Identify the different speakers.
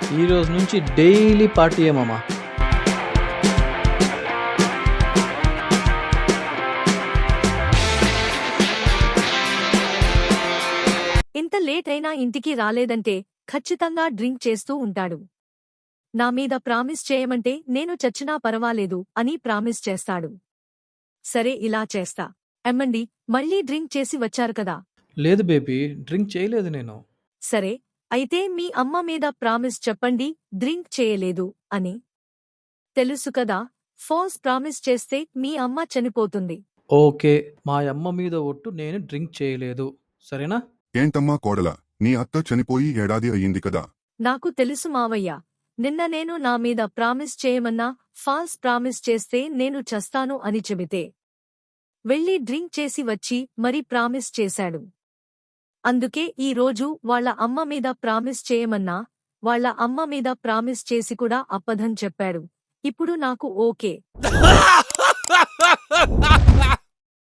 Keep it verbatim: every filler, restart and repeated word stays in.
Speaker 1: ఈ రోజు నుంచి డైలీ పార్టీయే మామ.
Speaker 2: ఇంత లేట్ అయినా ఇంటికి రాలేదంటే ఖచ్చితంగా డ్రింక్ చేస్తూ ఉంటాడు. నా మీద ప్రామిస్ చేయమంటే నేను చచ్చినా పరవాలేదు అని ప్రామిస్ చేస్తాడు. సరే ఇలా చేస్తా. ఎమ్మండి, మళ్ళీ డ్రింక్ చేసి వచ్చారు కదా.
Speaker 1: లేదు బేబీ, డ్రింక్ చేయలేదు నేను.
Speaker 2: సరే, అయితే మీ అమ్మ మీద ప్రామిస్ చెప్పండి డ్రింక్ చేయలేదు అని. తెలుసు కదా, ఫాల్స్ ప్రామిస్ చేస్తే మీ అమ్మ చనిపోతుంది.
Speaker 1: ఓకే, మా అమ్మ మీద ఒట్టు, నేను డ్రింక్ చేయలేదు, సరేనా?
Speaker 3: ఏంటమ్మా కోడలా, నీ అత్త చనిపోయి ఏడాది అయ్యింది కదా.
Speaker 2: నాకు తెలుసు మావయ్య. నిన్న నేను నా మీద ప్రామిస్ చేయమన్నా ఫాల్స్ ప్రామిస్ చేస్తే నేను చస్తాను అని చెబితే వెళ్ళి డ్రింక్ చేసి వచ్చి మరి ప్రామిస్ చేశాడు. అందుకే ఈ రోజు వాళ్ళ అమ్మ మీద ప్రామిస్ చేయమన్నా వాళ్ళ అమ్మ మీద ప్రామిస్ చేసి కూడా అబద్ధం చెప్పాడు. ఇప్పుడు నాకు ఓకే.